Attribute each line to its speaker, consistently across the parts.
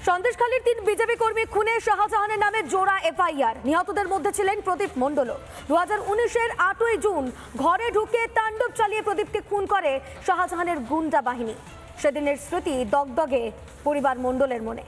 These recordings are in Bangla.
Speaker 1: সন্দেশখালীর 3 বিজেপি কর্মী খুনে শাহজাহানের নামে জোড়া এফআইআর। নিহতদের মধ্যে ছিলেন প্রদীপ মণ্ডল। 2019-এর 8ই জুন ঘরে ঢুকে তাণ্ডব চালিয়ে প্রদীপকে খুন করে শাহজাহানের গুন্ডা বাহিনী। সেদিনের স্মৃতি দগদগে পরিবার মণ্ডলের মনে।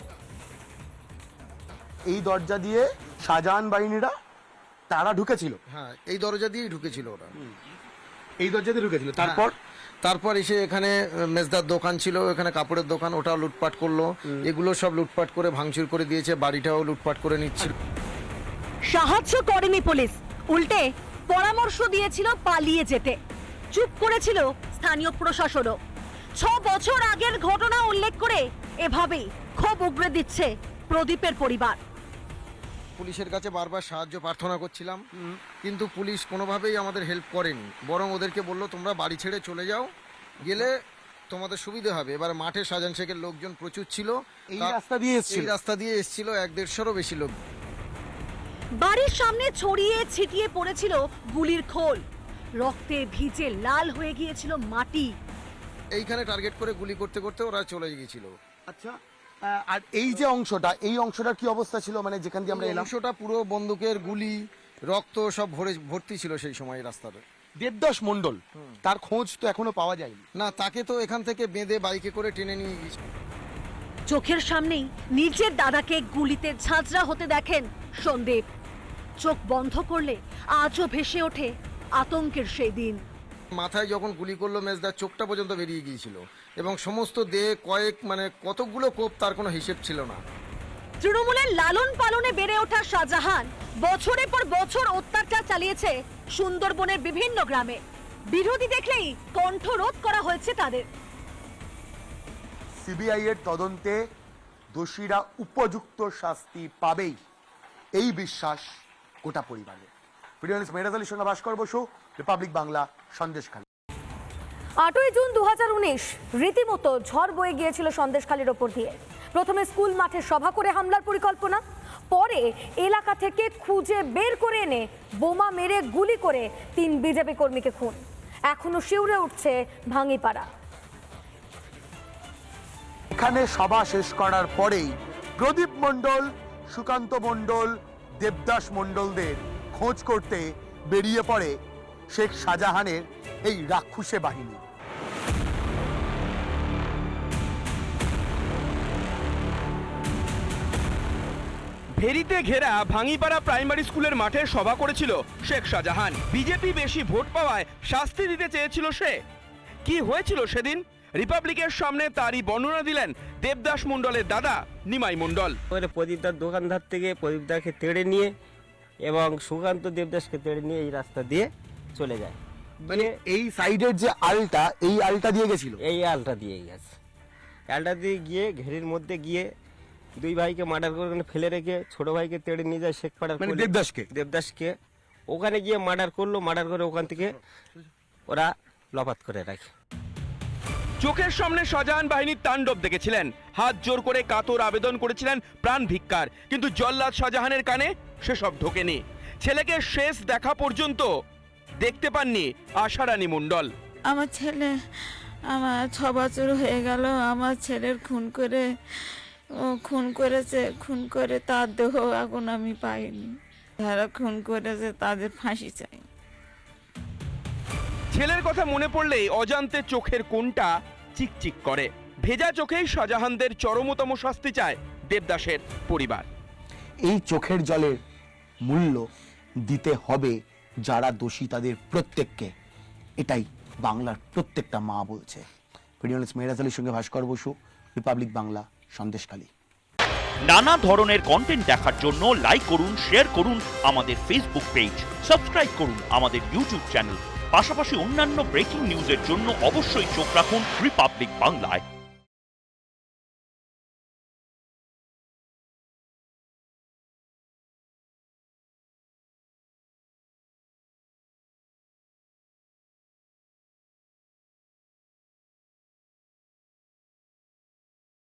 Speaker 2: এই দরজা দিয়ে শাহজাহান বাহিনীরা তারা ঢুকেছিল।
Speaker 3: হ্যাঁ, এই দরজা দিয়েই ঢুকেছিল ওরা।
Speaker 2: এই দরজা দিয়ে ঢুকেছিল।
Speaker 3: তারপর এসে এখানে মেজদার দোকান ছিল, এখানে কাপড়ের দোকান, ওটাও লুটপাট করলো। এগুলো সব লুটপাট করে ভাঙচুর করে দিয়েছে, বাড়িটাও লুটপাট করে নিচ্ছিল।
Speaker 4: সাহায্য করেনি পুলিশ, উল্টে পরামর্শ দিয়েছিল পালিয়ে যেতে। চুপ করেছিল স্থানীয় প্রশাসনও। 6 বছর আগের ঘটনা উল্লেখ করে এভাবেই ক্ষোভ উগরে দিচ্ছে প্রদীপের পরিবার।
Speaker 3: পুলিশের কাছে বারবার সাহায্য প্রার্থনা করছিলাম, কিন্তু পুলিশ কোনোভাবেই আমাদের হেল্প করেনি। বরং ওদেরকে বললো তোমরা বাড়ি ছেড়ে চলে যাও, গেলে তোমাদের সুবিধা হবে। এবার মাঠে শাহজাহান শেখের লোকজন প্রচুর ছিল,
Speaker 2: এই রাস্তা দিয়ে
Speaker 3: এসেছিল 1-150-এরও বেশি লোক।
Speaker 4: বাড়ির সামনে ছড়িয়ে ছিটিয়ে পড়েছিল গুলির খোল, রক্তে ভিজে লাল হয়ে গিয়েছিল মাটি।
Speaker 3: এইখানে টার্গেট করে গুলি করতে করতে ওরা চলে গিয়েছিল।
Speaker 2: আচ্ছা, আর এই যে অংশটার কি অবস্থা ছিল, মানে যেখান দিয়ে আমরা এলাম?
Speaker 3: অংশটা পুরো বন্দুকের গুলি, রক্ত সব ভর্তি ছিল সেই সময় রাস্তাতে।
Speaker 2: দেবদাস মণ্ডল, তার খোঁজ তো এখনো পাওয়া যায়নি।
Speaker 3: না, তাকে তো এখান থেকে বেঁধে বাইকে করে টেনে নিয়ে গিয়েছে।
Speaker 4: চোখের সামনেই নিজের দাদাকে গুলিতে ঝাঁঝরা হতে দেখেন সন্দীপ। চোখ বন্ধ করলে আজও ভেসে ওঠে আতঙ্কের সেই দিন।
Speaker 3: মাথায় যখন গুলি করলো মেজদার চোখটা পর্যন্ত বেরিয়ে গিয়েছিল, এবং সমস্ত দেহে কতগুলো কোপ তার কোনো হিসেব ছিল না।
Speaker 4: তৃণমূলের লালন পালনে বেড়ে ওঠা শাহজাহান বছরের পর বছর অত্যাচার চালিয়েছে সুন্দরবনের বিভিন্ন গ্রামে। বিরোধী দেখলেই কণ্ঠরোধ করা হয়েছে তাদের।
Speaker 2: সিবিআই এর তদন্তে দোষীরা উপযুক্ত শাস্তি পাবেই, এই বিশ্বাস গোটা পরিবারের। ভিডিও মেহরাজ আলীর সঙ্গে ভাস্কর বসু, রিপাবলিক বাংলা, সন্দেশখালী।
Speaker 1: 8ই জুন 2019 রীতিমতো ঝড় বয়ে গিয়েছিল সন্দেশখালীর ওপর দিয়ে। প্রথমে স্কুল মাঠে সভা করে হামলার পরিকল্পনা, পরে এলাকা থেকে খুঁজে বের করে এনে বোমা মেরে গুলি করে 3 বিজেপি কর্মীকে খুন। এখনো শিউরে উঠছে ভাঙিপাড়া।
Speaker 2: এখানে সভা শেষ করার পরেই প্রদীপ মণ্ডল, সুকান্ত মণ্ডল, দেবদাস মণ্ডলদের খোঁজ করতে বেরিয়ে পড়ে শেখ শাহজাহানের এই রাক্ষুসে বাহিনী।
Speaker 5: ভেরিতে ঘেরা ভাঙিপাড়া প্রাইমারি স্কুলের মাঠে সভা করেছিল শেখ শাহজাহান। বিজেপি বেশি ভোট পাওয়ায় শাস্তি দিতে চেয়েছিল সে। কি হয়েছিল সেদিন? রিপাবলিকের সামনে তারই বর্ণনা দিলেন দেবদাস মণ্ডলের দাদা নিমাই মণ্ডল।
Speaker 6: প্রদীপদার দোকানদার থেকে প্রদীপদাকে তেড়ে নিয়ে এবং সুকান্ত দেবদাসকে তেড়ে নিয়ে এই রাস্তা দিয়ে চলে যায়।
Speaker 2: মানে এই সাইডের যে আলটা, এই আলটা দিয়ে গেছিল,
Speaker 6: এই আলটা দিয়ে গেছে। আলটা দিয়ে গিয়ে ঘেরির মধ্যে গিয়ে 2 ভাইকে মার্ডার করে ফেলে রেখে ছোট ভাইকে তেড়ে নিয়ে যায় শেখ পাড়ার,
Speaker 2: মানে
Speaker 6: দেবদাসকে ওখানে গিয়ে মার্ডার করলো। মার্ডার করে ওখান থেকে ওরা লপাত করে রাখে।
Speaker 5: চোখের সামনে শাহজাহান বাহিনীর তাণ্ডব দেখেছিলেন, হাত জোর করে কাতর আবেদন করেছিলেন প্রাণ ভিক্ষার, কিন্তু জল্লাদ শাহজাহানের কানে সেসব ঢোকেনি। ছেলেকে শেষ দেখা পর্যন্ত দেখতে পাননি আশারানী মণ্ডল।
Speaker 7: আমার 6 বছর হয়ে গেল। আমার ছেলের খুন করে তার দেহ এখন আমি পাইনি। যারা খুন করেছে তাদের ফাঁসি চাই।
Speaker 5: ছেলের কথা মনে পড়লেই অজান্তে চোখের কোণটা চিকচিক করে। ভেজা চোখেই শাহজাহানদের চরমতম শাস্তি চায় দেবদাসের পরিবার।
Speaker 2: এই চোখের জলের মূল্য দিতে হবে যারা দোষী তাদের প্রত্যেককে, এটাই বাংলার প্রত্যেকটা মা বলছে। ভিডিও মেহরাজ আলীর সঙ্গে ভাস্কর বসু, রিপাবলিক বাংলা, সন্দেশখালী।
Speaker 8: নানা ধরনের কন্টেন্ট দেখার জন্য লাইক করুন, শেয়ার করুন আমাদের ফেসবুক পেজ, সাবস্ক্রাইব করুন আমাদের ইউটিউব চ্যানেল। পাশাপাশি অন্যান্য ব্রেকিং নিউজের জন্য অবশ্যই চোখ রাখুন রিপাবলিক বাংলায়।